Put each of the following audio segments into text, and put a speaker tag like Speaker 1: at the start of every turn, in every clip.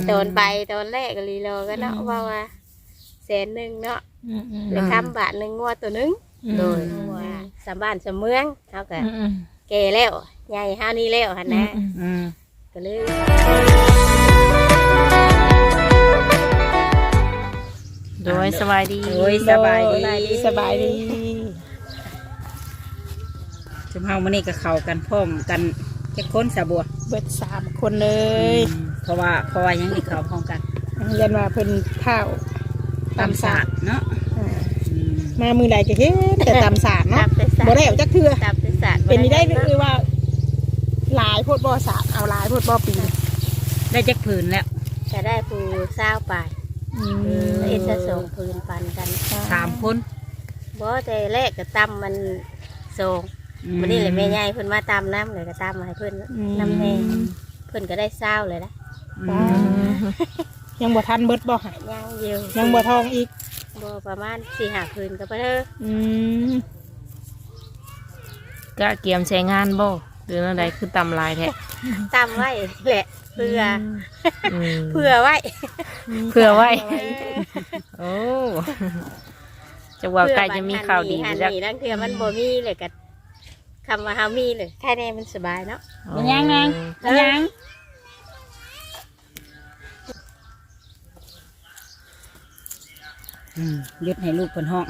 Speaker 1: ตอนไปตอนแรกก็ลีโลก็เนาะว่า100,000เนาะเลยคำบาท1งัวตัวนึงโดยว่าสามบ้านสามเมืองเฮาก็แก่แล้วใหญ่เฮานี่แล้วหั่นนะก็เลย
Speaker 2: โดยสบายดี
Speaker 3: สบายดีจุ่มเฮามื้อนี้ก็เข้ากันพร้อมกันจักคนสะบัว
Speaker 4: เบิด3คนเลย
Speaker 3: เพราะว่ายังอีกเข้าพร้อมกัน
Speaker 4: ยันว่าเพิ่นเท้า
Speaker 3: ตำศาสตร์เนาะ
Speaker 4: มามือใดก็เฮ็ดแต่ตำศาสตร์เนาะบ่ได้เอาจักเทื่อเป็นนี่ได้คือว่าหลายโพดบ่ศาสตร์เอาหลายโพดบ่ปี
Speaker 3: ได้จักผืนแล้ว
Speaker 1: จะได้ผู้20ปลายเอ็ดจะส่งพื้นปันกัน
Speaker 3: 3คน
Speaker 1: บ่แต่แรกก็ตำมันส่งวันนี้เลยแม่ใหญ่เพิ่นมาตำน้ำเลยก็ตำมาให้เพิ่นน้ำแน่เพิ่นก็ได้20เลยนะ
Speaker 4: ยังบ่ทันเบิดบ่
Speaker 1: ยังอยู่
Speaker 4: ยังบ่ทองอีก
Speaker 1: บ่ประมาณ4-5 คืนก็บ่เด้อ
Speaker 2: ก็เกียมใช้งานบ่หรืออะไรคือตำลายแท้
Speaker 1: ตำไว้แหละเพื่อไว้
Speaker 2: โอ้จะว่าใกล้จะมีข่าวดี
Speaker 1: จักนั่นคือมันบ่มีเลยก็คำว่าเฮามีเลยแค่นี้มันสบายเนาะ
Speaker 4: ยัง
Speaker 3: ยึดให้ลูกเพิ่นห้อง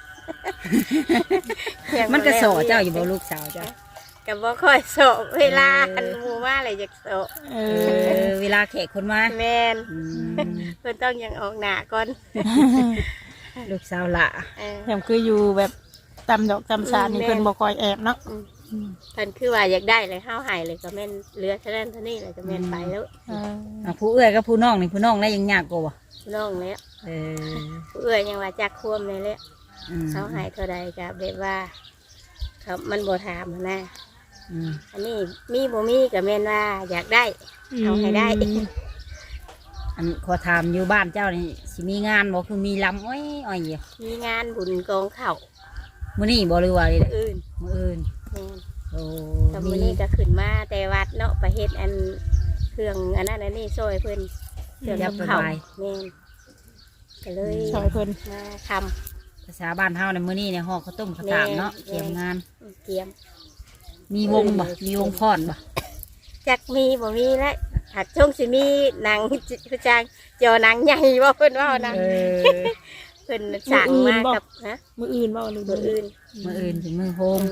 Speaker 3: มันก็โสเจ้าอยู่บ่ลูกสาวเจ้า
Speaker 1: ก็บ่ค่อยโสเวลาอันหมู่มาเลยอยากโส
Speaker 3: เวลาแขกคนมา
Speaker 1: แม่นเพิ่นต้องยังออกหน้าก่อน
Speaker 3: ลูกสาวละ
Speaker 4: แถมคืออยู่แบบตำดอกตำสานี่เพิ่นบ่ค่อยแอบเนาะ
Speaker 1: เพิ่นคือว่าอยากได้เลยเฮาให้เลยก็แม่นเหลือเท่านั้นเท่านี้เลยก็แม่นไปแล้ว
Speaker 3: ผู้เอื้อยกับผู้น้องนี่ผู้น้องได้ยังยากกว่า
Speaker 1: น้องแล้วผู้เอื้อยยังว่าจักควมเลยแหละเฮาให้เท่าใดก็แบบว่าครับมันบ่ถามนะอันนี้มีบ่มีก็แม่นว่าอยากได้เอาให้ได้
Speaker 3: อันขอถามอยู่บ้านเจ้านี่สิมีงานบ่คือมีลำอ้อยอยู่
Speaker 1: มีงานบุญกองข้าว
Speaker 3: มื้อนี้บ่หรือว่ามื้ออื่น
Speaker 1: โอ้แต่มื้อนี้ก็ขึ้นมาแต่วัดเนาะไปเฮ็ดอันเครื่องอันนั้นอันนี้ซอยเพิ่นเครื่องกับข้าวแม่นก็เลย
Speaker 4: ซอยเพิ่น
Speaker 1: มาทำ
Speaker 3: ภาษาบ้านเฮาในมื้อนี้ในห่อข้าวต้มข้าวสารเนาะเตรียมงานมีวงบ่มีวงพรบ่
Speaker 1: จักมีบ่มีแล้วหักช่วงสิมีนางผู้จางจอนางใหญ่บ่เพิ่นว่านะเพิ่นสั่งมากับนะ
Speaker 4: มื้ออื่นบ่หรือมื้ออื่น
Speaker 3: ถึงมื้อโฮม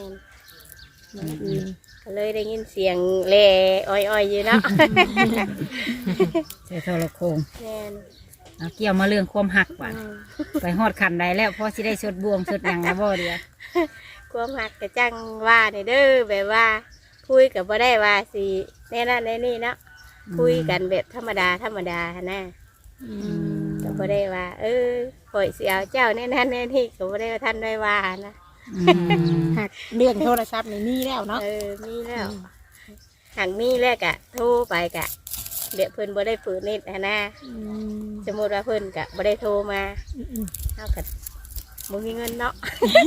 Speaker 1: ก็เลยได้ยินเสียงแล่อ้อยๆอยู่เนาะ
Speaker 3: ใส่โทรโคงเกี่ยวมาเรื่องความหักว่ะไปฮอดขันใดแล้วพอสิได้สดบวงสดอย่างนะบ่เดียว
Speaker 1: ความหักกระจังว่าเนี่ยเด้อแบบว่าคุยกับบ่ได้ว่าสิแน่นั่นแน่นี่เนาะคุยกันแบบธรรมดานะก็บ่ได้ว่าข่อยสิเอาเจ้าแน่นั่นแน่นี่ก็บ่ได้ว่าท่านได้ว่านะ
Speaker 4: หักเรื่องโทรศัพท์นี่มีแล้วเนาะ
Speaker 1: มีแล้วหักมีแล้วกะโทรไปกะเดี๋ยวเพิ่นบ่ได้ฝืนนิดนะสมมติว่าเพิ่นกะบ่ได้โทรมาเท่ากับบ่มีเงินเนาะ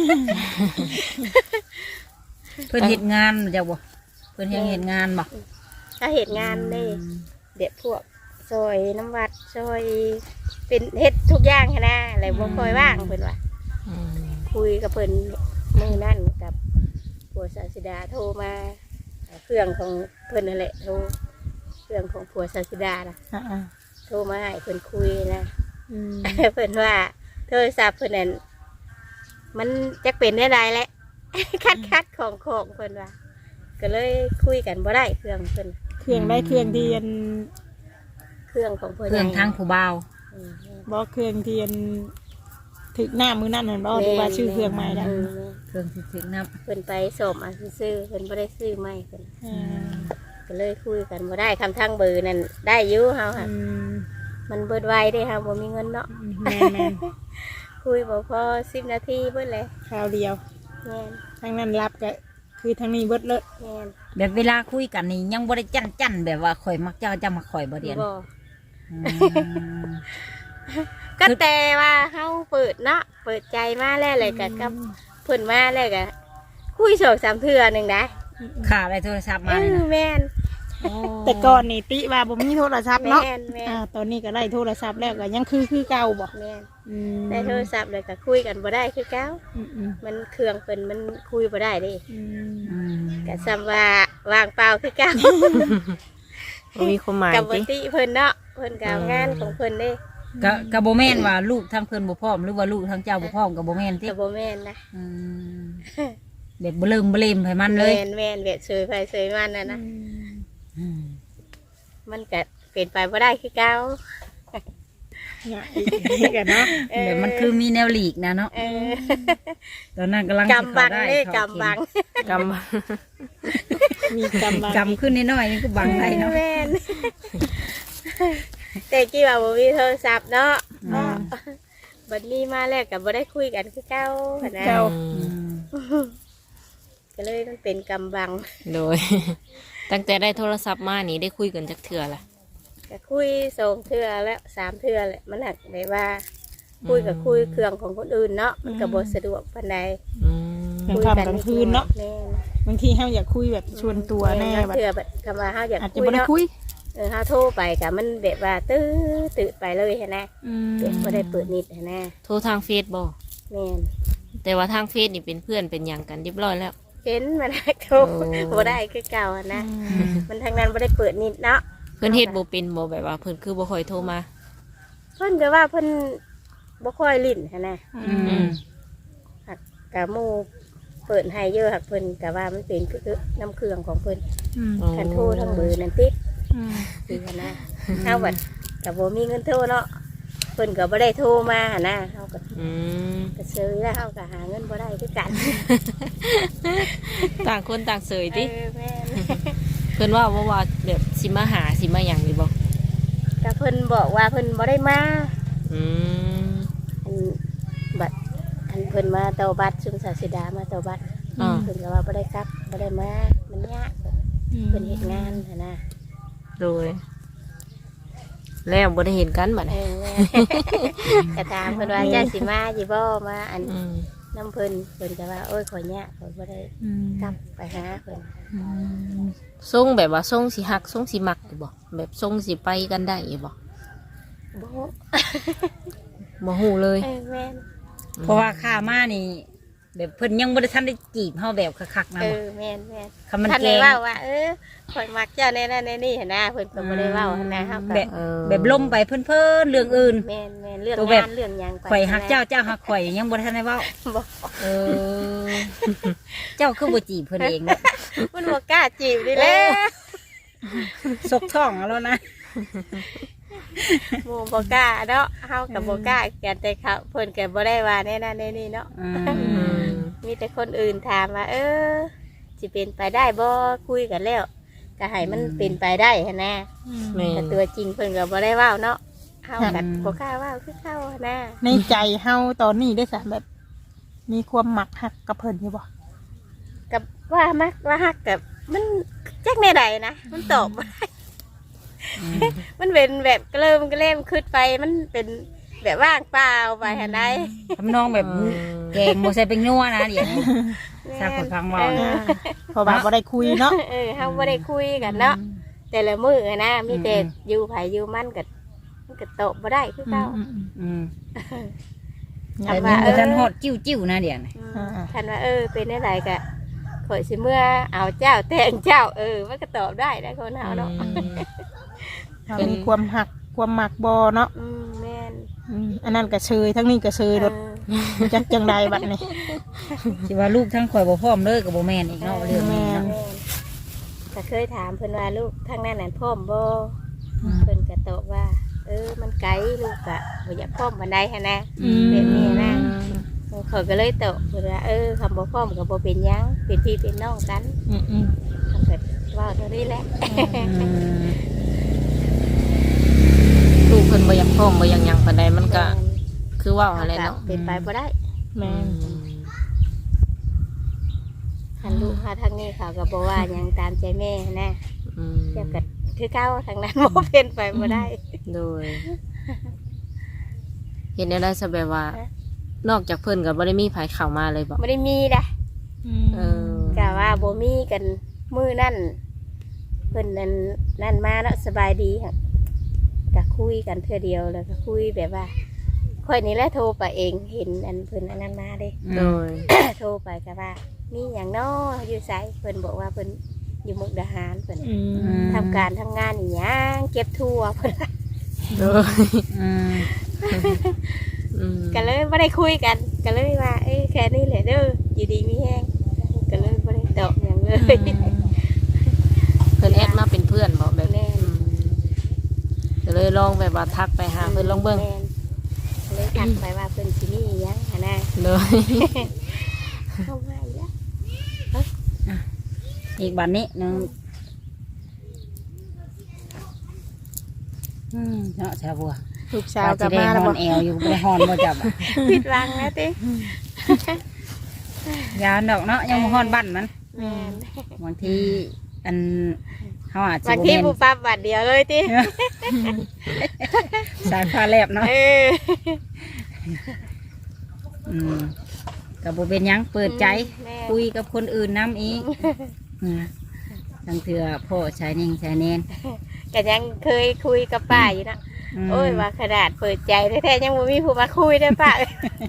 Speaker 3: เพิ่นเฮ็ดงานจะบ่เพิ่นยังเฮ็ดงานบ่
Speaker 1: ถ้าเฮ็ดงานนี่เดี๋ยวพวกซอยน้ำวัดซอยเป็นเฮ็ดทุกอย่างนะอะไรบ่ค่อยว่างเพิ่นว่าคุยกับเพิ่นมื้อนั้นกับผัวศาสิดาโทรมาเครื่องของเพิ่นนั่นแหละโทรเครื่องของผัวศาสิดาน่ะโทรมาให้เพิ่นคุยนะเพิ่นว่าโทรศัพท์เพิ่นนั่นมันจักเป็นได้ไรแหละคัดของเพิ่นว่าก็เลยคุยกันบ่ได้เครื่องเพิ่น
Speaker 4: เครื่องได้เครื่องเทียน
Speaker 1: เครื่องของเพิ่น
Speaker 3: เครื่องทางผู้บ่าว
Speaker 4: บ่เครื่องเทียนถึกหน้ามือนั่นนั่นบ่หรือว่าชื่อเครื่องใหม่ได้
Speaker 3: เครื่องถึกน้
Speaker 1: ำเพิ่นไปสอบซื้อเพิ่นบ่ได้ซื้อใหม่เพิ่นก็เลยคุยกันบ่ได้คำทางเบอร์นั่นได้อยู่เฮาค่ะมันเบิดไวได้ค่ะบ่มีเงินเนาะ
Speaker 4: แม่น
Speaker 1: คุยบ่พอ10 นาทีเบิดเลย
Speaker 4: คราวเดียวทางนั้นรับก็คือทางนี้เบิดเลย
Speaker 3: แบบเวลาคุยกันนี่ยังบ่ได้จั่นแบบว่าข่อยมักเจ้าจะมาข่อยบ่เดียน
Speaker 1: ก็แต่ว่าเฮาเปิดเนาะเปิดใจมาแล้วเลยกับเพิ่นมาแล้วก็คุย2-3 เทื่อนึงได้
Speaker 3: ค่ะได้โทรศัพท์มา
Speaker 1: แม่น
Speaker 4: แต่ก่อนนี่ติว่าบ่มีโทรศัพท์เนาะ
Speaker 1: แม่นแม่น
Speaker 4: ตอนนี้ก็ได้โทรศัพท์แล้วก็ยังคือเก่าบ่
Speaker 1: แม่น
Speaker 4: อืม
Speaker 1: ได้โทรศัพท์เลยก็คุยกันบ่ได้คือเก้า
Speaker 4: อืม
Speaker 1: มันเครื่องเป็นมันคุยบ่ได้เดิ
Speaker 4: อืม
Speaker 3: อืม
Speaker 1: ก็ซ้ำว่าวางเปล่าคือเก้า
Speaker 2: บ่มีความหมาย
Speaker 1: กับบ่
Speaker 2: ติ
Speaker 1: ติเพิ่นเนาะเพิ่นก็เอางานของเพิ่นเด้
Speaker 3: ก็บ่แม่นว่าลูกทั้งเพิ่นบ่พร้อมหรือว่าลูกทั้งเจ้าบ่พร้อมก็บ่แม่นติ
Speaker 1: ก็บ่แม่นนะ
Speaker 3: อืมแบบบ่เริ่มบ่เล่มให้มันเลย
Speaker 1: แม่นเวทเสยไปเสยมันน่ะนะ
Speaker 3: อืม
Speaker 1: มันก็เป็นไปบ่ได้คือเก้า
Speaker 4: เนี่ยอีกกันเนาะ
Speaker 3: แบบมันคือมีแนวหลีกนะเนาะ
Speaker 1: เออ
Speaker 3: ตอนนั้นกำลังสิ
Speaker 1: กำบัง
Speaker 3: เข้าได้
Speaker 1: เด้
Speaker 3: เข้าก
Speaker 1: ำบัง
Speaker 2: กรรม
Speaker 4: มีกำบัง
Speaker 3: กำขึ้นน้อยๆนี่ก็บังได้เนาะ
Speaker 1: แม่นแต่กี้ว่าบ่มีโทรศัพท์เนาะ
Speaker 3: อืม
Speaker 1: บัดนี้มาแล้วก็บ่ได้คุยกันคือเก้าหั้นนะ
Speaker 4: เจ้า
Speaker 3: อืม
Speaker 1: ก็เลยมันเป็นกำบัง
Speaker 2: โดย ตั้งแต่ได้โทรศัพท์มานี่ได้คุยกันจักเทื่อละ
Speaker 1: ก็คุย2เทื่อแล้ว3เทื่อแหละมันหักได้ว่า คุยกับคุยเครื่องของคนอื่นเนาะมันก็บ่สะดวกปานใด
Speaker 2: อืม
Speaker 4: กลางค่ำกลางคืนเนาะ
Speaker 1: แม่น
Speaker 4: บางทีเฮาอยากคุยแบบชวนตัวแน่
Speaker 1: บั
Speaker 4: บั
Speaker 1: ด
Speaker 4: ด
Speaker 1: เทื่อบัดคำว่าเฮาอยาก
Speaker 4: อาจจะ
Speaker 1: คุย
Speaker 4: บ่ได้
Speaker 1: เนาะ
Speaker 4: คุย
Speaker 1: เฮาโทรไปก็มันแบบว่าตื้อไปเลยหั้นนะ
Speaker 4: อืม
Speaker 1: เด็กบ่ได้เปิดนิดหั้นนะ
Speaker 2: โทรทางเฟซบ่
Speaker 1: แม่น
Speaker 2: แต่ว่าทางเฟซนี่เป็นเพื่อนเป็นหยังกันเรียบร้อยแล้ว
Speaker 1: เห็นมันได้โทร
Speaker 2: โอ้
Speaker 1: บ่ได้คือเก่าหั้นนะมันทางนั้นบ่ได้เปิดนิดเนาะ
Speaker 2: เพื่อนเฮ็ดบ่เป็นบ่แบบว่าเพิ่นคือบ่ค่อยโทรมา
Speaker 1: เพิ่นก็ว่าเพิ่นบ่ค่อยลิ้นหั้นนะ
Speaker 3: อืม
Speaker 1: กะหมู่เปิดให้เยอะหักเพิ่นก็ว่ามันเป็นคือน้ำเครื่องของเพิ่น
Speaker 4: อืม
Speaker 1: คันโทรทั้งเบอร์นั่นติด
Speaker 4: อืม
Speaker 1: คือหั้นนะเฮาบัดก็บ่มีเงินโทรเนาะเพิ่นก็บ่ได้โทรมาหั้นนะเฮาก็
Speaker 2: อืม
Speaker 1: ก็ซื้อแล้วเฮาก็หาเงินบ่ได้คือกัน
Speaker 2: ต่างคนต่างเสยติ
Speaker 1: เออแม่น
Speaker 2: เพิ่นว่าแบบสิมาหาสิมาหยังนี่บ่
Speaker 1: ก็เพิ่นบอกว่าเพิ่นบ่ได้มา
Speaker 2: อืม
Speaker 1: อันบัดอันเพิ่นมาเตาบัดซุมศาสิดามาเตาบัด
Speaker 2: อ่า
Speaker 1: เพิ่นก็ว่าบ่ได้กลับบ่ได้มามันยากเพิ่นเฮ็ดงานหั้นนะ
Speaker 2: โดย แล้วบ่ได้เห็นกันบัด
Speaker 1: เอ
Speaker 2: นี้
Speaker 1: อแม่ก็ถามเพิ่นว่าเจ้าสิมาสิบ่มาอัน
Speaker 2: อืม
Speaker 1: น้ำเพิ่นเพิ่นก็ว่าโอ้ยขอยยากขอยบ่ได้
Speaker 4: อืม
Speaker 1: กลับไปหาเพิ่น
Speaker 2: ทรงแบบว่าทรงสิฮักทรงสิมักอยู่บ่แบบทรงสิไปกันได้อยู่บ่
Speaker 1: บ่
Speaker 2: บ่ฮู้เลย
Speaker 1: เออแม่น
Speaker 3: เพราะว่าข้ามานี่ แบบเพิ่นยังบ่ได้ทันได้จีบเฮาแบบคักๆนะ
Speaker 1: เอ
Speaker 3: บ่
Speaker 1: อแม่นแม่น
Speaker 3: คำมัน
Speaker 1: ท่าน
Speaker 3: แก
Speaker 1: ได้
Speaker 3: ง
Speaker 1: เว้าว่าข่อยมักเจ้าแน่นั่นแน่นี่หั่นนะเพิ่นก็บ่ได้เว้าหั่นนะเฮาก็
Speaker 3: แบบ
Speaker 2: เออ
Speaker 3: แบบล้มไปเพิ่นๆเรื่องอื่น
Speaker 1: แม่นแม่นเรื่อง
Speaker 3: ตัวแบบ
Speaker 1: งานเรื่องหยังไป
Speaker 3: ข่อยฮักเจ้าเจ้าฮักข่อยยังบ่ทันได้เว้า
Speaker 1: บ่
Speaker 3: เออ เจ้าคือบ่จีบเพิ่นเองเนาะ
Speaker 1: มันบ่กล้าจีบนี่แหละ
Speaker 3: ซกท้องเอาแล้วนะ
Speaker 1: หมู่บ่กล้าเนาะเฮาก็บ่กล้ากันแต่เขาเพิ่นก็บ่ได้ว่าแน่นั่นแน่นี่เนาะ
Speaker 3: อื
Speaker 2: อื
Speaker 3: ม
Speaker 2: ม
Speaker 1: มีแต่คนอื่นถามว่าสิเป็นไปได้บ่คุยกันแล้วก็ให้มันเป็นไปได้หั่นนะ
Speaker 2: แม่
Speaker 1: แต่
Speaker 2: น
Speaker 1: ตัวจริงเพิ่นก็บ่ได้เว้าเนาะเฮาก็บ่กล้าเว้าคือเฮาหั่นนะ
Speaker 4: ในใจเฮาตอนนี้ได้สะแบบ มีความหมักหักกับเพิ่นอยู่บ่
Speaker 1: กับว่ามักว่าฮักกับมันจักแน่ใดนะมันตอบบ่ได้มันเป็นแบบเกลิมเกล่มขึ้นไปมันเป็นแบบว่างเปล่าไปหั่นใด
Speaker 3: ทำนองแบบแกงบ่ใส่เป็นนัวนะเดี๋ยวนี้ ทราบคนฟังเว้านะ
Speaker 4: เพราะว่าบ่ได้คุยเนาะ
Speaker 1: เฮาบ่ได้คุยกันเนาะแต่ละมื้ออะนะมีแต่อยู่ไผอยู่มันก็ตอบบ่ได้คือเก่า
Speaker 3: อืม
Speaker 1: ถา
Speaker 3: แต่
Speaker 1: มว่า
Speaker 3: นี่บ่ทันฮอดจิ้วๆนะเดี๋ยวนี้
Speaker 1: ท่านว่าเป็นอะไรกะข่อยสิเมื่อเอาเจ้าแต่งเจ้ามันก็ตอบได้นะคนเฮาเนาะ
Speaker 4: ว่ามีความหักความหมักบ่เนาะ
Speaker 1: แม่น
Speaker 4: อันนั้นก็เชยทั้งนี้ก็เชยรถจักจังใดบัดนี้
Speaker 3: สิว่าลูกทั้งข่อยบ่พร้อมเลยก็บ่แม่นอีกเนาะเรื่องนี้เนาะ
Speaker 1: แม่นก็เคยถามเพิ่นว่าลูกทางนั้นนั่นพร้อมบ่เพิ่นก็ตอบว่า มันไกลลูกกะบ่อยากพร้อมปานใดหั่นนะแบบนี้นะเขาก็เลยตอบเพิ่นว่าคำบ่พร้อมก็บ่เป็นหยังเป็นพี่เป็นน้องกันทำแบบว่าเท่านี้แหละ
Speaker 3: อืม
Speaker 2: ลูกเพิ่นบ่อยากพร้อมบ่อยากหยังปานใดมันก็คือเว้าอะไรเนาะ
Speaker 1: เป็นไปบ่ได้
Speaker 4: แม่น
Speaker 1: ทันลูกค่ะทางนี้เขาก็บอกว่าหยังตามใจแม่นะ
Speaker 2: อืม
Speaker 1: เทียบกับคือเก้าทางนั้นโมเป็นไปบ่ได้
Speaker 2: โดย เห็นได้ซะแบบว่า นอกจากเพิ่นก็บ่ได้มีไผเข้ามาเลยบ่
Speaker 1: ไม่ได้มีนะ
Speaker 2: เออ
Speaker 1: กะว่าบ่มีกันมือนั่นเพิ่นนั่นมาแล้วสบายดีค่ะก็คุยกันเทื่อเดียวแล้วก็คุยแบบว่าค่อยนี่แหละโทรไปเองเห็นอันเพิ่นอันนั้นมาเด้
Speaker 2: โดย
Speaker 1: โทรไปก็ว่ามีอย่างน้ออยู่ไสเพิ่นบอกว่าเพิ่นอยู่มุกดาหารเพิ่นทำการทำงานอีหยังเก็บทั่วเพิ่น
Speaker 2: โดย
Speaker 3: อืม
Speaker 2: อืม
Speaker 1: ก็เลยไม่ได้คุยกันก็เลยว่าเอ้ยแค่นี้แหละเด้ออยู่ดีมีแห้งก็เลยไม่ได้ตอบอย่างเลย
Speaker 2: เพิ่นแอดมาเป็นเพื่อนบอกแบบ
Speaker 1: แม่น
Speaker 2: ก็เลยลองแบบว่าทักไปหาเพิ่นลองเบิ่ง
Speaker 1: แม่นก็เลยทักไปว่าเพิ่นสิมีอีหยังหนนะ
Speaker 2: โดย
Speaker 1: เข้ามาอีกแล้ว
Speaker 3: อีกบัดนี้หนึงเนาะชาวบัว
Speaker 4: ลูกสาวกลับมา
Speaker 3: ว่า
Speaker 4: แล้ว
Speaker 3: สิ
Speaker 4: บ่
Speaker 3: ได้ฮอนแอวอยู่บ่ได้ฮอนบ่จับอะ
Speaker 1: ผิดหวังนะติ
Speaker 3: ยาวดอกเนาะยังบ่ฮอนบ้านมัน
Speaker 1: แม่น
Speaker 3: บางทีอันเขาอาจจะ
Speaker 1: บางที
Speaker 3: บ่
Speaker 1: ผู้
Speaker 3: แม่น
Speaker 1: ปั๊บบัดเดียวเลยติ
Speaker 3: สายฟ้าแลบเนาะ
Speaker 1: เออ
Speaker 3: กับบ่เป็นหยังเปิดใจ
Speaker 1: แม่
Speaker 3: คุยกับคนอื่นน้ำอีกทั้งเถื่อพ่อชายนิ่งชายแนน
Speaker 1: ก็ยังเคยคุยกับป้าอยู่นะ
Speaker 3: ม
Speaker 1: โอ้ยว่าขนาดเปิดใจแท้ๆยังบ่มีผู้มาคุยได้อป้า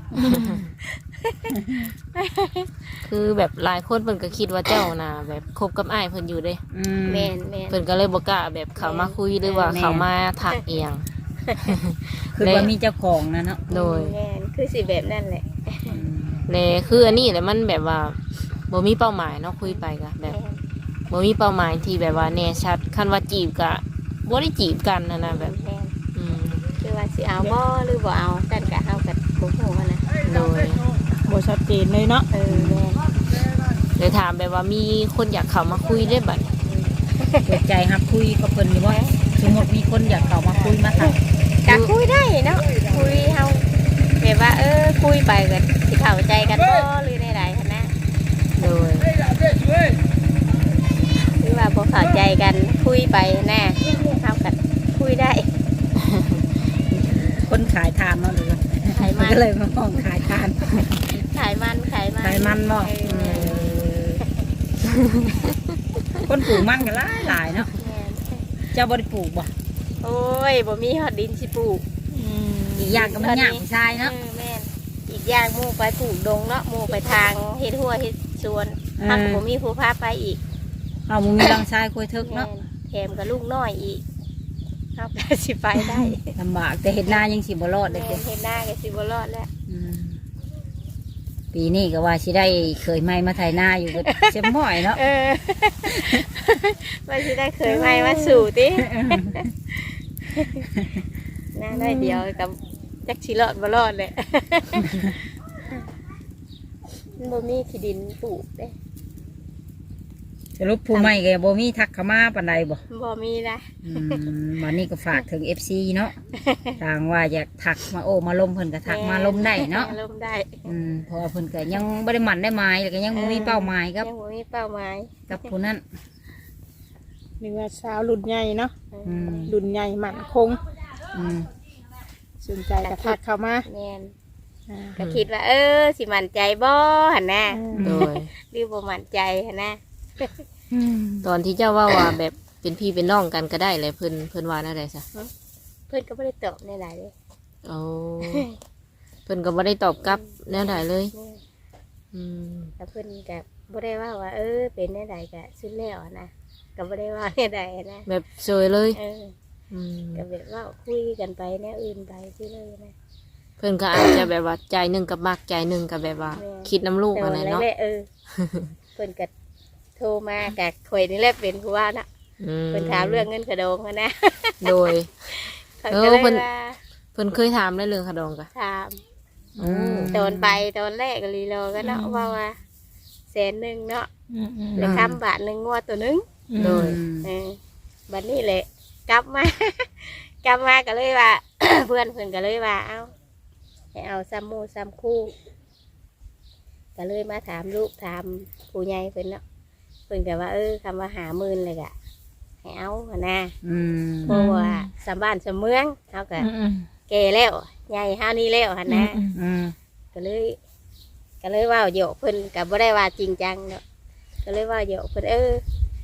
Speaker 2: คือแบบหลายคนเพิ่นก็คิดว่าเจ้าน่ะแบบคบกับอ้ายเพิ่นอยู่เด้
Speaker 3: อืม
Speaker 1: แม่นแม่น
Speaker 2: เพิ่นก็เลยบ่กล้าแบบเข้ามาคุยหรือว่า
Speaker 3: แม่น
Speaker 2: เข้ามาทักเอียง
Speaker 3: คือว่ามีเจ้าของนะเนาะ
Speaker 2: โดย
Speaker 1: แม่นคือสิแบบนั่นแหละ
Speaker 3: อืม
Speaker 2: และคืออันนี้แหละมันแบบว่าบ่มีเป้าหมายเนาะคุยไปก็แบบ
Speaker 1: แม่น
Speaker 2: บ่มีเป้าหมายที่แบบว่าแน่ชัดคันว่าจีบก็บ่ได้จีบกันนะแบบ
Speaker 1: แม่น
Speaker 2: อืม
Speaker 1: คือว่าสิเอาบ่หรือบ่เอากันกะเอากับบ่ฮู้หั้นนะ
Speaker 2: โดย
Speaker 4: บ่ชัดเจนเลยเนาะ
Speaker 1: แม่น
Speaker 2: เลยถามแบบว่ามีคนอยากเข้ามาคุยได้บัด
Speaker 3: เปิดใจครับคุยกับเพิ่นอยู่ว่าสมมติมีคนอยากเข้ามาคุยมาทัก
Speaker 1: กะคุยได้เนาะคุยเฮาแบบว่าคุยไปก็สิเข้าใจกันบ่หรือใดๆหั้นนะ
Speaker 2: โดย
Speaker 1: หรือว่าบ่เข้าใจกันคุยไปแน่เฮาก็คุยได้
Speaker 3: คนขายทานเนาะหรือว่า
Speaker 1: ขายมัน
Speaker 3: ก็เลยมาห้องขายทาน
Speaker 1: ขายมัน
Speaker 3: ขายมันบ่
Speaker 1: เออ
Speaker 3: คนปลูกมันก็หลายเนาะ
Speaker 1: แม่น
Speaker 3: เจ้าบ่ได้ปลูกบ่
Speaker 1: โอ้ยบ่มีฮอดดินสิปลูก
Speaker 3: อีกอย่างก็มันยากผู้ชายเนาะ
Speaker 1: แม่นอีกอย่างหมู่ไปปลูกดงเนาะหมู่ไปทางเฮ็ดหัวเฮ็ดสวนถ้าก็บ่มีผู้พาไปอีก
Speaker 3: เอามึงมีรังชายคุยทึก
Speaker 1: แม่
Speaker 3: เนาะ
Speaker 1: นแถมกับลูกน้อยอีกเฮาก็สิไปได้
Speaker 3: ลำบากแต่เห็ดนายังสิบ่รอดเล
Speaker 1: แม่
Speaker 3: ยเด้
Speaker 1: นเฮ็ดหน้าก็สิบ่รอดแล้ว
Speaker 3: ปีนี้ก็ว่าสิได้เคยไม่มาไถนาอยู่ก็เสียม้อยเนาะ
Speaker 1: ว่าสิได้เคยไปมาสู่ติหน้าได้เดียวกับจักสิรอดบ่รอดแหละบ่มีที่ดินปลูกเด้
Speaker 3: สรุปผู้ใหม่ก็บ่มีทักเข้ามาปานใดบ่
Speaker 1: บ่มีนะ
Speaker 3: วันนี้ก็ฝากถึง FC เนาะทางว่าอยากทักมาโอ้มาลมเพิ่นก็ทักมาลมได้เนาะ
Speaker 1: ลมได้
Speaker 3: เพราะว่าเพิ่นก็ยังบ่ได้หมั่นได้หมายแล้วก็ยังบ่มีเป้าหมายครับ
Speaker 1: ยังบ่มีเป้าหมาย
Speaker 3: กับผู้นั้น
Speaker 4: นี่ว่าสาวรุ่นใหญ่เนาะ
Speaker 3: อืม
Speaker 4: รุ่นใหญ่มั่นคง
Speaker 3: อืม
Speaker 4: สนใจกระทักเข้ามา
Speaker 1: แม่น
Speaker 4: อ่า
Speaker 1: ก็คิดว่าสิมั่นใจบ่หั่นน่ะ
Speaker 2: โดย
Speaker 1: หรือบ่มั่นใจหั่นน่ะ
Speaker 2: ตอนที่เจ้าว่าแบบเป็นพี่เป็นน้องกันก็ได้เลยเพิ่นว่าอะไรซะ
Speaker 1: เพิ่นก็บ่ได้ตอบในหลายเลย
Speaker 2: โอ้เพิ่นก็บ่ได้ตอบกลับแนวใดเลย อืม
Speaker 1: แต่เพิ่นก็บ่ได้ว่าเป็นในใดก็สุดแล้วนะก็บ่ได้ว่าในใดนะ
Speaker 2: แบบเฉยเลย อืม
Speaker 1: ก็แบบว่าคุยกันไปแนวอื่นไปซื่อเลยนะ
Speaker 2: เพิ่นก็อาจจะแบบว่าใจหนึ่งกับมักใจหนึ่งกับแบบว่า คิดน้ำลูก
Speaker 1: แต่
Speaker 2: อะไร
Speaker 1: วันแร
Speaker 2: เนาะ
Speaker 1: กเพิ่นก็โทรมากับข่อยนี่แหละเป็นผู้ว่านะ
Speaker 2: อืม
Speaker 1: เพิ่นถามเรื่องเงินกระโดงหั้นนะ
Speaker 2: โดย
Speaker 1: ข่อยก็เลย
Speaker 2: เพิ่น
Speaker 1: ว่า
Speaker 2: เพิ่นเคยถามได้เรื่องขดองกะ
Speaker 1: ถาม
Speaker 2: โอ้
Speaker 1: ตอนไปตอนแรกก็ลีโลก็เนาะว่า100,000เนาะ
Speaker 4: อืม
Speaker 1: แล้วคำบาทหนึงงวดตัวหนึง
Speaker 2: โดย
Speaker 1: บัดนี้แหละกลับมา กลับมาก็เลยว่า เพื่อนเพิ่นก็เลยว่าเอาให้เอาซ้ำหมู่ซ้ำคู่ก็เลยมาถามลูกถามผู้ใหญ่เพิ่นเนาะเพิ่นก็ว่าคำว่า50,000เลยก็ให้เอาหั่นนะ
Speaker 3: อืม
Speaker 1: เพราะว่าสำบ้านสำเมืองเฮาก็แก่แล้วใหญ่เฮานี่แล้วหั่นนะ
Speaker 3: อืม
Speaker 1: ก็เลยว่าโยกเพิ่นก็บ่ได้ว่าจริงจังเนาะก็เลยว่าโยกเพิ่นเ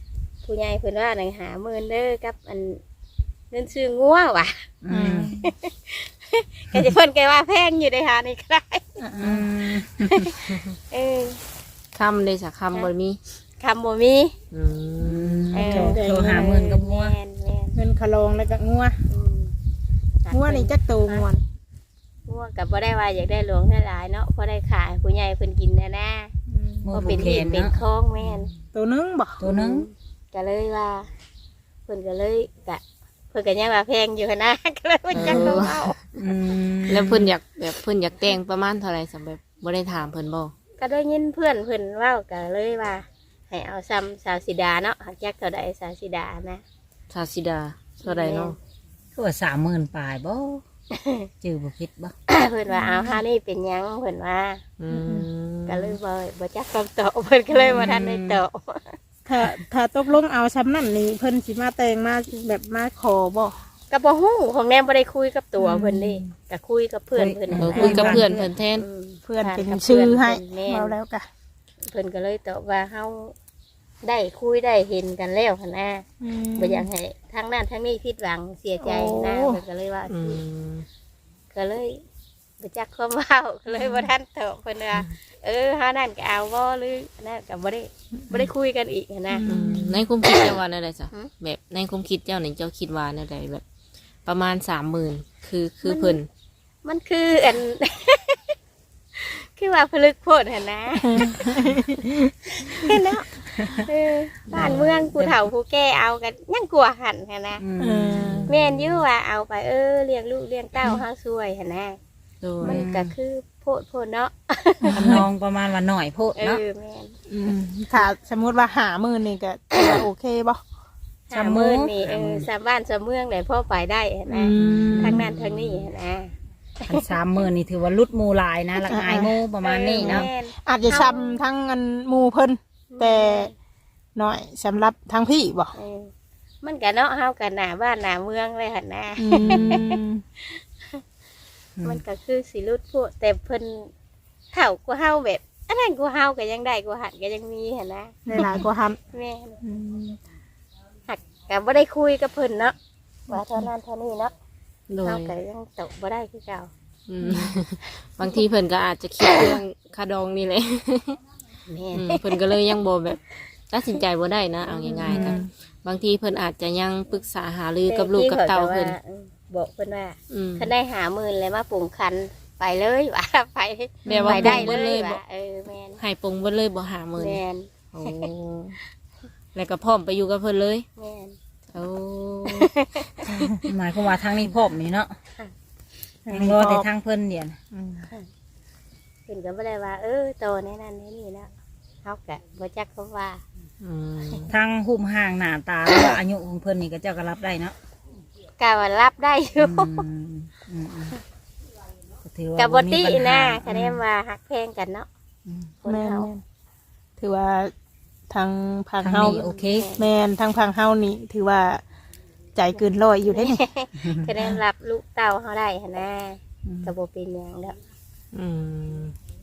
Speaker 1: ผู้ใหญ่เพิ่นว่าหนังหาเมินเด้อกับอันเงินซื้องัวว่ะ
Speaker 3: อืม
Speaker 1: ก็จะเพิ่นแกว่าแพงอยู่ได้หานี่ก็ได้
Speaker 3: อืม
Speaker 1: เออ
Speaker 2: คำเลยสักคำบ่มี
Speaker 1: คำบ่มี
Speaker 2: อืม
Speaker 3: โทรหาหมื่นกับงัว
Speaker 1: แม่นแม่น
Speaker 4: เงินคลองแล้วก็งัว
Speaker 1: อืม
Speaker 4: งัวนี่จักโตงัวนี่
Speaker 1: งัวก็บ่ได้ว่าอยากได้หลวงได้หลายเนาะเพราะได้ขายผู้ใหญ่เพิ่นกินนะ
Speaker 3: มือ
Speaker 1: ก็
Speaker 3: ผู
Speaker 1: เป็น
Speaker 3: กแข
Speaker 1: เห็ด
Speaker 3: น
Speaker 1: เป็น
Speaker 3: เนาะ
Speaker 1: คล้องแม่น
Speaker 4: ตัวนึงบ่
Speaker 3: ตัวหนึง
Speaker 1: ก็เลยว่าเพิ่นก็เลยกะเพิ่นก็ยังว่าแพงอยู่นะ ก็เลยบ่จักเขาเอา
Speaker 3: อืม
Speaker 2: แล้วเพิ่นอยากแบบเพิ่นอยากแต่งประมาณเท่าไหร่สำหรับบ่ได้ถามเพิ่นบ่
Speaker 1: ก็ได้ยินเพื่อนเพิ่นเว้าก็เลยว่าให้เอาซ้ำสาวสิดาเนาะหักจักเท่าใดสาวสิดานะ
Speaker 2: ชาสิดาเท่าใดเนาะ
Speaker 3: คือว่า30,000ปลายบ่จื้อบ่ผิดบ่
Speaker 1: เพิ่นว่าเอาหานี่เป็นหยังเพิ่นว่า
Speaker 2: อืม
Speaker 1: ก็เลยบ่จักคำตอบเพิ่นก็เลยบ่ทันได้ตอบ
Speaker 4: ถ้าตกลงเอาซ้ำนั่นนี่เพิ่นสิมาแต่งมาแบบมาขอบ่
Speaker 1: ก็บ่ฮู้ของแนมบ่ได้คุยกับตัวเพิ่นเด้ก็คุยกับเพื่อนเพิ่น
Speaker 2: เออคุยกับเพื่อนเพิ่นแทน
Speaker 4: เพื่อนเป็น
Speaker 1: ถามกับ
Speaker 4: ชื่อให้
Speaker 1: แม่น
Speaker 4: เราแล้วกะ
Speaker 1: เพิ่นก็เลยตอบว่าเฮาได้คุยได้เห็นกันแล้วหั่นนะบ่อยากให้ทั้งนั้นทั้งนี้ผิดหวังเสียใจนะเพิ่นก็เลยว่า
Speaker 2: อืม
Speaker 1: ก็เลยบ่จักความเว้าก็เลยบ่ทันตอบเพิ่นว่าเฮานั่นก็เอาบ่หรือนั่นก็บ่ได้คุยกันอีกหั้นนะ
Speaker 2: อืมในความคิดเจ้าว่าแนวใดจ้ะ
Speaker 1: หือ
Speaker 2: แบบในความคิดเจ้านี่เจ้าคิดว่าแนวใดแบบ ประมาณ 30,000คือเพิ่น
Speaker 1: มันคืออัน คือว่าผลึกโพดหั่นนะเห็นเนาะบ้านเมืองผู้เฒ่าผู้แก่เอากันยังกลัวหั่นหั่นนะ
Speaker 3: อืม
Speaker 1: แม่นอยู่ว่าเอาไปเลี้ยงลูกเลี้ยงเต้าเฮาช่วยหั่นนะ
Speaker 2: โดย
Speaker 1: มันก็คือโพดเนาะ
Speaker 3: ทำนองประมาณว่าหน่อยโพดเนาะ
Speaker 1: แม่น
Speaker 4: ถ้าสมมุติว่า50,000นี่ก็ถือว่าโอเคบ่
Speaker 1: หามื้อนี่สามบ้านสามเมืองได้พ่อไปได้หั่นนะทางนั้นทางนี้หั่นนะ
Speaker 3: อัน30,000นี่ถือว่าลุดหมู่หลายนะละอายหมู่ประมาณนี้เนาะ
Speaker 1: แม่
Speaker 4: อาจจะซ้ำทั้งอันหมู่เพิ่นแต่น้อยสำหรับทางพี่บ่
Speaker 1: มันก็เนาะเฮากันหน้าบ้านหน้าเมืองเลยหั่นนะ
Speaker 4: อืม
Speaker 1: มันก็คือสิรุดพวกแต่เพิ่นเฒ่ากว่าเฮาแบบอันนั้นกว่าเฮาก็ยังได้กว่าหันก็ยังมีหั่นนะ
Speaker 4: ในหลายกว่าหัน
Speaker 1: แม่นหักก็บ่ได้คุยกับเพิ่นเนาะว่าเท่านั้นเท่านี้เนาะ
Speaker 2: โด
Speaker 1: เฮาย ก็ยังตกบ่ได้คือเก่า
Speaker 2: อืมบางทีเพิ่นก็อาจจะคิดเรื่องคาดองนี่แหละ
Speaker 1: แม่
Speaker 2: อื
Speaker 1: น
Speaker 2: มเพิ่นก็เลยยังบ่แบบตัดสินใจบ่ได้นะเอาง่ายๆกันบางทีเพิ่นอาจจะยังปรึกษาหารือกับลูกกับเต้าเพิ่น
Speaker 1: บอกเพิ่นว่า
Speaker 2: อืม
Speaker 1: คันได้หาหมื่นเลยมาปรุงคันไปเลยว่าไป
Speaker 2: แบบว่า
Speaker 1: ไปได้
Speaker 2: ปรุง
Speaker 1: เล
Speaker 2: เลย ยบ่
Speaker 1: ว่าแม่น
Speaker 2: ให้ปรุงเบิดเลยบ่หามื้อ
Speaker 1: แม่น
Speaker 2: โอ้แล้วก็พร้อมไปอยู่กับเพิ่นเลย
Speaker 1: แม่น
Speaker 2: โอ้
Speaker 3: หมายความว่าทางนี้พร้อมนี่เนาะยังรอแต่ทางเพิ่นเดียวนะ
Speaker 1: เพิ่นก็บ่ได้ว่าโตแน่นั่นแน่นี่เนาะเฮาก็บ่จักเขาว่า
Speaker 2: อืม
Speaker 3: ทางหุ่มห่างหน้าตาหรือว่าอายุของเพิ่นนี่ก็เจ้าก็รับได้เนาะ
Speaker 1: ก็ว่ารับได้อยู่
Speaker 3: ก็ถือว่า
Speaker 1: กับบ่ติ
Speaker 3: มีปัญหา
Speaker 1: นะคะแนนว่าฮักแพงกันเนาะคน
Speaker 4: แม่น
Speaker 1: เฮา
Speaker 4: ๆถือว่าทางพัง
Speaker 3: ทาง
Speaker 4: เฮา
Speaker 3: นี้โอเค
Speaker 4: แม่นทางพังเฮานี่ถือว่าใจเกินร้อยอยู่ได้นี่
Speaker 1: คะแนนรับลูกเต้าเฮาได้หั่นนะก็บ่เป็นหยังดอก
Speaker 2: อืม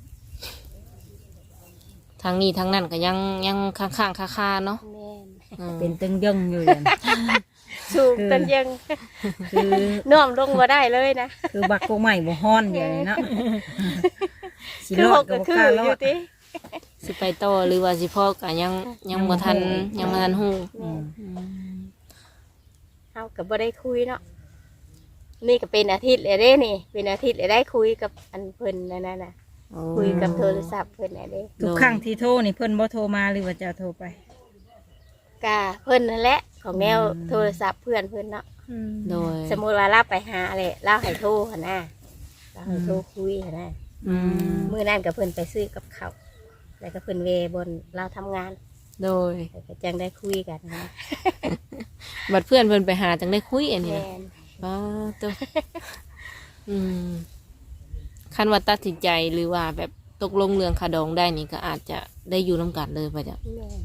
Speaker 2: ทางนี้ทางนั้นก็ยังข้างๆคาๆเนาะ
Speaker 1: แม่น
Speaker 2: อืม
Speaker 3: เป็นตึงยังอยู่อย่าง
Speaker 1: สูงจนยัง
Speaker 3: คือ
Speaker 1: น่วมลงบ่ได้เลยนะ
Speaker 3: คือบักโกใหม่บ่ฮ้อนอย่างนี้เนาะสิ
Speaker 1: คือ
Speaker 3: ร
Speaker 1: ห
Speaker 3: อด
Speaker 1: ก
Speaker 3: ก็
Speaker 1: ก็
Speaker 3: บ่
Speaker 1: คื
Speaker 3: กล้า
Speaker 1: อ
Speaker 3: ร
Speaker 1: อ
Speaker 3: อยู่ ด
Speaker 1: ติ
Speaker 2: สิไปต่อหรือว่าสิพ่อก็ยังบ่ทันยังบ่ทันฮู้
Speaker 1: แม่นเฮาก็บ่ได้คุยเนาะนี่ก็เป็นอาทิตย์เลยเด้นี่ เป็นอาทิตย์เลยได้คุยกับอันเพิ่นนั่นน่ะ
Speaker 2: โอ้
Speaker 1: คุยกับโทรศัพท์เพิ่นน่ะเด้
Speaker 3: ทุกครั้งที่โทรนี่เพิ่นบ่โทรมาหรือว่าเจะโทรไป
Speaker 1: กะเพิ่นนั่นแหละของแนวโทรศัพท์เพื่อนเพิ่นเนาะ
Speaker 2: โดย
Speaker 1: สมมุติว่าเราไปหาเลยเราให้โทรหั่นน่ะเราให้โทรคุยหั่นน่ะ
Speaker 2: อืม
Speaker 1: มื้อนั้นก็เพิ่นไปซื้อกับข้าวแล้วก็เพิ่นเวบนเราทำงาน
Speaker 2: โดย
Speaker 1: แล้วก็จังได้คุยกันนะ
Speaker 2: บัดเพื่อนเพิ่นไปหาจังได้คุยอันนี้
Speaker 1: แม่
Speaker 2: นะ
Speaker 1: น
Speaker 2: ป้าตัวอืมคันว่าตัดสินใจหรือว่าแบบตกลงเรื่องคาดองได้นี่ก็อาจจะได้อยู่น้ำกันเลยป่ะจ๊ะ
Speaker 1: แม่น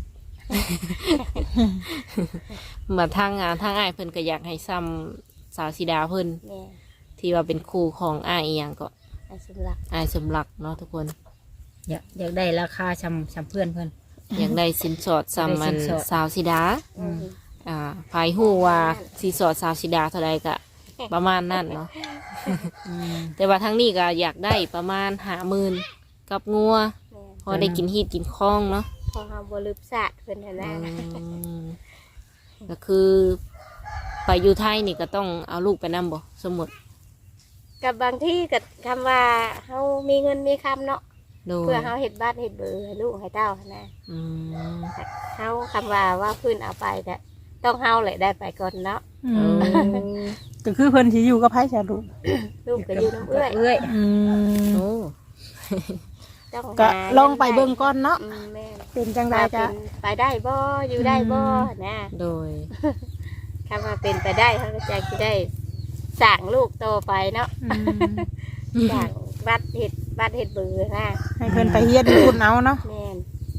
Speaker 2: มาทางอ้ายเพิ่นก็อยากให้ซ้ำสาวสีดาเพิ่น
Speaker 1: แม่น
Speaker 2: ที่ว่าเป็นครูของอ้ายอีหยังก็
Speaker 1: อันสำหรับ
Speaker 2: อ้ายสมหลักเนาะทุกคน
Speaker 3: อยากได้ราคาชำเพื่อนเพิ่น
Speaker 2: อยากได้สินสอดซ้ำมัน
Speaker 3: ได้สินสอด
Speaker 2: สาวสิดา
Speaker 3: อืม
Speaker 2: ภายหูว่าสินสอดสาวสิดาเท่าใดก็ประมาณนั้นเนาะ
Speaker 3: อืม
Speaker 2: แต่ว่าทั้งนี้ก็อยากได้ประมาณ50,000กับงัว
Speaker 1: แม่น
Speaker 2: พอได้กินฮีดกินคล้องเนาะ
Speaker 1: พอเฮาบ่ลืมศาสตร์เพิ่นหั่นนะ
Speaker 2: ก็คือไปอยู่ไทยนี่ก็ต้องเอาลูกไปนำบ่สมมติ
Speaker 1: กับบางที่ก็คำว่าเฮามีเงินมีคำเนาะ
Speaker 2: โดย
Speaker 1: เพื่อเฮาเฮ็ดบ้านเฮ็ดเบอร์ให้ลูกให้เต้าหั่นนะ
Speaker 2: อืม
Speaker 1: เฮาคำว่าเพิ่นเอาไปก็ต้องเฮาแหละได้ไปก่อนเนาะ
Speaker 4: อืมก็คือเพิ่นสิอยู่กับไผซะลูก
Speaker 1: ลูกก็อยู่น้ำเอื้อย
Speaker 3: เอื้อย
Speaker 4: อืม
Speaker 2: โอ้
Speaker 1: ต้อง
Speaker 4: ก็
Speaker 1: หา
Speaker 4: ลองไปเบิ่งก่อนเนาะ
Speaker 1: แม่น
Speaker 4: เป็นจังได
Speaker 1: ว่า
Speaker 4: ก็
Speaker 1: เป็นไปได้บ่อยู่ได้บ่นะ
Speaker 2: โดย
Speaker 1: คำว่าเป็นไปได้เขาก็จะได้สั่งลูกโตไปเนาะ
Speaker 4: อืม
Speaker 1: สั่งบัดเห็ดเบือนะ
Speaker 4: ให้เพิ่นไปเฮียนคุณเอาเนาะ
Speaker 1: แม่น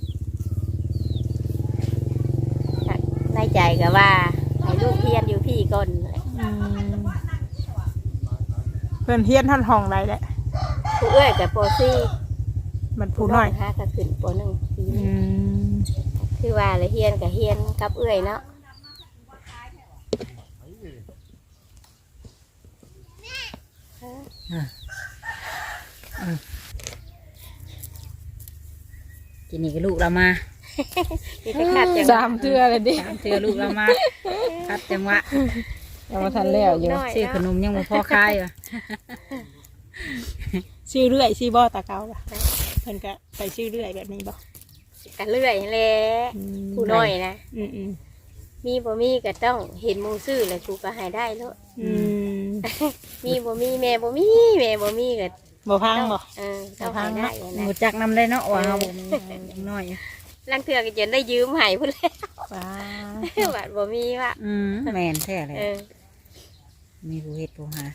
Speaker 1: ในใจก็ว่าให้ลูกเฮียนอยู่พี่ก่อนแหละ
Speaker 4: อืมเพิ่นเฮียนท่อนห้องใดแหละ
Speaker 1: ผู้เอ้ยกับโปซี่
Speaker 4: มันผู้น้อย
Speaker 1: ฮะก็ขึ้นปหนึ่งปี
Speaker 4: อื
Speaker 1: นี้
Speaker 4: ม
Speaker 1: คือว่าเลยเฮียนกับเฮียนกับเอ้ยเนาะ
Speaker 3: ทีนี้ก็ลูกเรามา
Speaker 1: มีแต่ขาดจัง
Speaker 2: สามเทื่อเลยดิ
Speaker 3: สามเทือลูกเรามาคัดจังหวะ
Speaker 2: ยังมาทันแล้วอยู่
Speaker 1: น้อย
Speaker 3: ซื้อขนมยังบ่พอคายว่ะ
Speaker 4: ชื่อเรื่อยชื่อบ่ตาเกาล่ะเพิ่นก็ไปชื่อเรื่อยแบบนี้บ่
Speaker 1: กันเรื่อยแหละ
Speaker 4: อืม
Speaker 1: ผู้น้อยนะ
Speaker 4: อืมอืม
Speaker 1: มีบ่มีก็ต้องเห็นหมูซื้อแล้วกูก็ให้ได้แล้ว
Speaker 4: อืม
Speaker 1: มีบ่มีแม่บ่มีแม่บ่มีก็
Speaker 4: บ่พังบ่
Speaker 1: ต้องให้ได้อะนะ
Speaker 3: หมูจักนำได้เนาะว่าเฮาบ่มียังน้อยอยู่
Speaker 1: ลังเถื่อก็จะได้ยืมให้พุ่นแล้ว
Speaker 4: ว้า
Speaker 1: บาดบ่มีว่ะ
Speaker 3: แม่นแท้เลย
Speaker 1: เออ
Speaker 3: มีผู้เฮ็ดผู้หา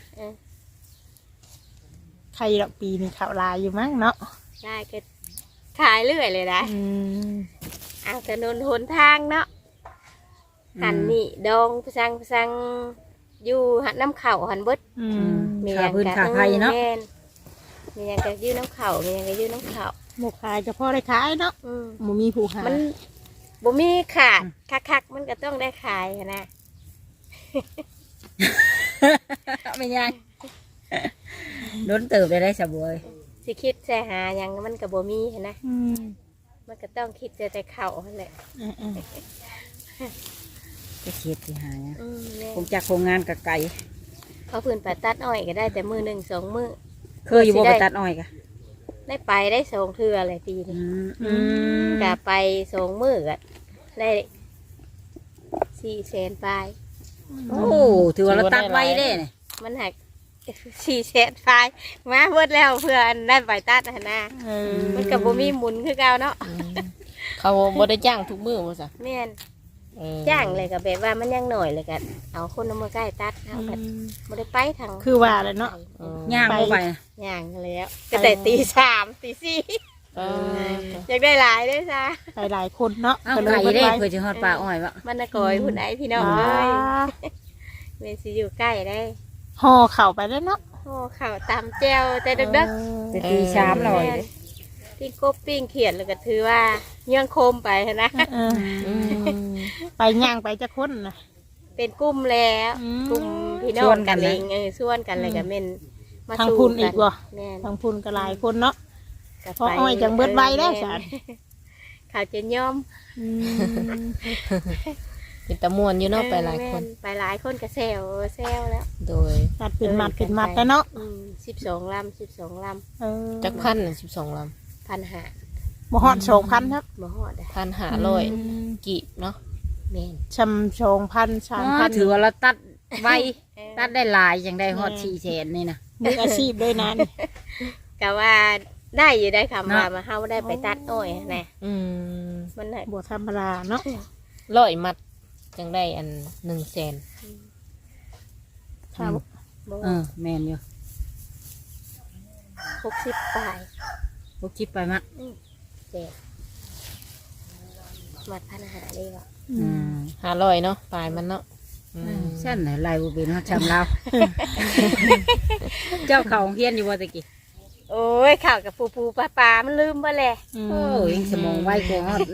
Speaker 4: ใครดอกปีนี่เขาวลายอยู่มั้งเนาะ
Speaker 1: ได้ก็ขายเรื่อยเลยนะ
Speaker 4: อืม
Speaker 1: เอาถนนหนทางเนาะหันนี่ดองพสังอยู่หันน้ำเข่าหันเบิด
Speaker 4: อืม
Speaker 3: ค่าพื้นค่าไผเนาะ
Speaker 1: แม่นมีหยังก็ยืดน้ำเข่ามีหยังก็ยืดน้ำเข่า
Speaker 4: หมกขายก็พอได้ขายเนาะ
Speaker 1: อืม
Speaker 4: บ่มีผู้หา
Speaker 1: มันบ่มีขาดคักๆมันก็ต้องได้ขายหั้นนะ
Speaker 3: ไม่ยังโดนเติบได้สะบวย
Speaker 1: สิคิดใส่หาหยังมันก็บ่มีหั้นนะ
Speaker 4: อืม
Speaker 1: มันก็ต้องคิดแต่เข่าหั่นแหละ
Speaker 4: อืมอืม
Speaker 3: จะเฮ็ดสิหาหยัง
Speaker 1: แม่
Speaker 3: ผมจากโรงงานกะไก่
Speaker 1: เขาพื้นไปตัดอ้อยก็ได้แต่มือหนึ่งสองมือ
Speaker 3: เคยอยู่บ่ไปตัดอ้อยกะ
Speaker 1: ได้ไปได้สองเทื่ออะไรปีนี้ กะไปสองมือก็ได้400,000ปลาย
Speaker 3: โอ้ถือว่าเราตัดไว้เด้เนี่ย
Speaker 1: มันหัก400,000ปลายมาเบิดแล้วเพื่ออันได้ไปตัดหั่นนะ
Speaker 4: เออ
Speaker 1: มันกับบ่มีหมุนคือเก่าเนาะ
Speaker 2: เขาบ่ได้จ้างทุกมื้อบ่ซะ
Speaker 1: แม่น
Speaker 2: เออ
Speaker 1: จ้างเลยก็แบบว่ามันยังหน่อยเลยก็เอาคนเอามาใกล้ตัดเอาก็บ่ได้ไปทาง
Speaker 4: คือว่าแหละเนาะ
Speaker 2: เออย่าง
Speaker 3: บ่ไป
Speaker 1: ย่างแล้วก็แต่ตี 3ตี 4
Speaker 2: เออ
Speaker 1: อยากได้หลายเด้วยจ้า
Speaker 4: ไปหลายคนเนาะ
Speaker 3: เอา
Speaker 4: ก็ล
Speaker 3: ไก่
Speaker 4: ย
Speaker 3: เด้
Speaker 4: ไป
Speaker 3: เพื่อจะฮอดปลาอ้อยวะ
Speaker 1: มันน่ะกอยพุ่นไอ้พี่น้องเอ้ยแม่สิอยู่ใกล้ได้
Speaker 4: ห่อเข่าไปแล้วเนาะ
Speaker 1: โอ้ข่าวตามแจ้วแต่ดึกๆ
Speaker 3: จะตีชามหน่อย
Speaker 1: ปิ้งกบปิ้งเขียดแล้วก็ถือว่าย่างโคมไปนะ
Speaker 4: เออ
Speaker 2: อืม
Speaker 4: ไปย่างไปจะคนนะ
Speaker 1: เป็นกลุ่มแล้ว
Speaker 4: อืม
Speaker 1: กลุ่มพี่น้องกันเองส่วนกันเลยก็เป็นมา
Speaker 4: ทาง
Speaker 1: สู่
Speaker 4: พุ่นอีกบ่
Speaker 1: แม่น
Speaker 4: ทางพุ่นก็หลายคนเนาะ
Speaker 1: ก็
Speaker 4: เพราะอ้อยจังเบิดไว้แล้วสาร
Speaker 1: ข่าวจะย่อม
Speaker 4: อืม
Speaker 2: เป็นตะม่วนอยู่เนาะไปหลายคน
Speaker 1: แม่ไปหลายคนก็แซวแล้ว
Speaker 2: โดย
Speaker 4: ตัดเป็นมัดเป็นมัดแล้วเนาะ
Speaker 1: 12 ลำ12 ล
Speaker 4: เออ
Speaker 2: จักพันน่ะ12ล
Speaker 1: ำพันหา
Speaker 4: บ่ฮอด2,000ครับ
Speaker 1: บ่ฮอดอะ
Speaker 2: ำ1,500กีบเนาะ
Speaker 1: แม่น
Speaker 4: ชำ2,000 3,000
Speaker 3: ถือว่าเราตัดไว้
Speaker 1: เออ
Speaker 3: ตัดได้หลายอย่างได้ฮอด400,000นี่นะ
Speaker 4: มืออาชีพด้วยนั้น
Speaker 1: ก็ว่าได้อยู่ได้คำว่า
Speaker 3: เนาะ
Speaker 1: มาเฮาได้ไปตัดอ้อยนะ
Speaker 2: อืม
Speaker 1: มันน่ะ
Speaker 4: บ่ธรรมดาเนาะ
Speaker 2: 100มัดจังได้อัน100,000
Speaker 4: ครับ
Speaker 1: บ่
Speaker 3: แม่นอยู่
Speaker 1: 60ปลาย
Speaker 3: พวกคิดไปมะ
Speaker 1: เจ็ดมัดพันหาเลยว่ะ
Speaker 2: 500เนาะปลายมันเนาะอืม
Speaker 3: เส้นไหนลายบุบินฮอดชำเรา เจ้าเขาเฮียนอยู่บ่ตะกี้
Speaker 1: โอ้ยข่าวกับปูปลามันลืมไปแหละ
Speaker 3: โอ้ยสมองไวกว่าฮอด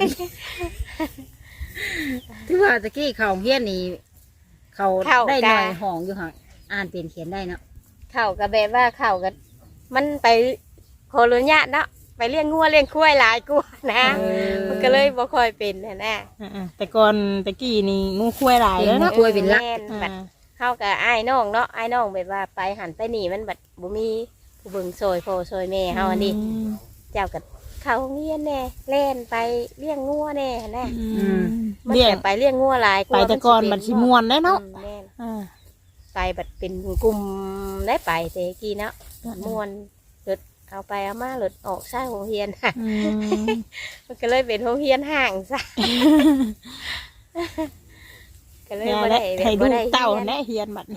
Speaker 3: ที่ว่าตะกี้เขาเฮียนนี่เขาได้หน่อยห้องอยู่ห่างอ่านเป็นเขียนได้เนาะ
Speaker 1: ข่าวกับแบบว่าข่าวกับมันไปโคโลญาเนาะไปเลี้ยงงัวเลี้ยงควายหลายกว่านะมันก็เลยบ่ค่อยเป็นนะ
Speaker 4: แต่ก่อนตะกี้นี่งูควายหลายแล้วเนาะ
Speaker 3: คุยเป็นลัก
Speaker 1: แม่นบัดเข้ากับอ้ายน้องเนาะอ้ายน้องแบบว่าไปหันไปหนีมันบัดบ่มีผู้เบิ่งซอยพ่อซอยแม่เฮาอันนี้เจ้ากับเขาโรงเรียนแน่เล่นไปเลี้ยงงัวแน่นะมัน
Speaker 4: เลี้ยง
Speaker 1: แต่ไปเลี้ยงงัวหลายก
Speaker 4: ไป
Speaker 1: ว่า
Speaker 4: แต่ก่อนมันสิม่วนได้เนาะ
Speaker 1: แม่น
Speaker 4: อ่า
Speaker 1: ไปบัดเป็นกลุ่มได้ไปแต่กี้เนาะม่วนรถเอาไปเอามาหลดออกใช่โรงเรียน มันก็เลยเป็นโรงเรียนห่างซะก็เลย
Speaker 4: แม่
Speaker 1: บ่
Speaker 4: และ
Speaker 1: ได้
Speaker 4: ให้
Speaker 1: บ่
Speaker 4: ลูก
Speaker 1: ได้
Speaker 4: เต้า
Speaker 1: รียน
Speaker 4: แน่เฮียนบัดนี้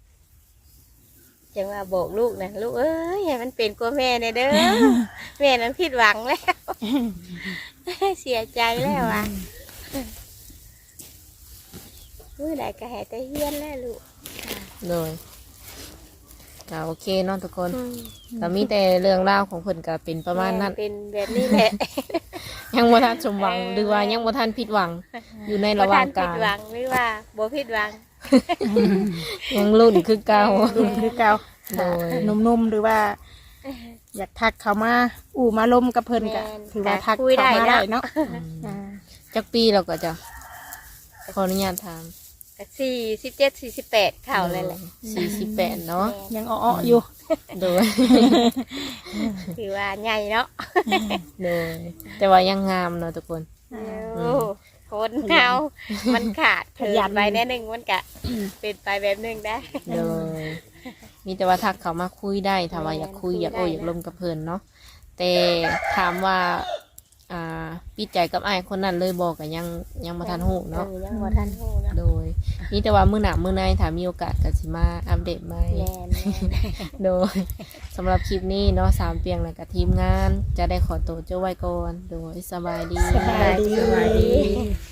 Speaker 1: จังว่าบอกลูกนะลูกเอ้ยให้มันเป็นกว่าแม่เนี่ยเด้อ แม่นั้นผิดหวังแล้ว เสียใจแล้วอ่ะมื้อใดก็ให้แต่เฮียนแล้วลูก
Speaker 2: โดยก็โอเคเนาะทุกคนก็มีแต่เรื่องราวของเพิ่นก็เป็นประมาณนั้น
Speaker 1: แเป็นแบบนี้แหละ
Speaker 2: ยังบ่ทันสมหวังหรือว่ายังบ่ทันผิดหวัง อยู่ในระหว่าง
Speaker 1: บ่ทัน
Speaker 2: ก
Speaker 1: ผิ
Speaker 2: ลา
Speaker 1: ด
Speaker 2: ง
Speaker 1: หวังหรือว่าบ่ผิดหวัง
Speaker 2: ยังรุ่นคือเก่า
Speaker 4: รุ่นคือเก่า
Speaker 2: โดย
Speaker 4: หนุ่มๆหรือว่า อยากทักเขามาอู่มาลมกับเพิ่นก็ถือว่าทักเขามาได้เนาะอ่า
Speaker 2: จักปีเราก็จะขออนุญาตถาม
Speaker 1: ก็47 48เข้าเลยแหละ
Speaker 2: 48เนาะ
Speaker 4: ยังอ้อๆอยู่
Speaker 2: โดย
Speaker 1: ถือว่าใหญ่เนาะ
Speaker 2: โดยแต่ว่ายังงามเนาะทุกคน
Speaker 1: โอ้คนเฮามันขาดเกินไปแน่นึงมันก็เป็นไปแบบนึงได้
Speaker 2: โดยมีแต่ว่าทักเขามาคุยได้ถ้าว่าอยากคุย
Speaker 1: คุย
Speaker 2: อยากโอ้
Speaker 1: ได้
Speaker 2: อยากลมกับเพิ่นเนาะแต่ถามว่าปิดใจกับอ้ายคนนั้นเลยบอกก็ยังบ่ทันฮู้เนาะ
Speaker 1: ยังบ่ทันฮู้เนาะ
Speaker 2: โดยมีแต่ว่ามื้อหน้ามื้อในถ้ามีโอกาสก็สิมาอัปเดตใหม่
Speaker 1: แม่น
Speaker 2: โดยสำหรับคลิปนี้เนาะสามเปียงและกับทีมงาน จะได้ขอตัวเจ้าไว้ก่อนโดยสบายดี
Speaker 1: สบายดี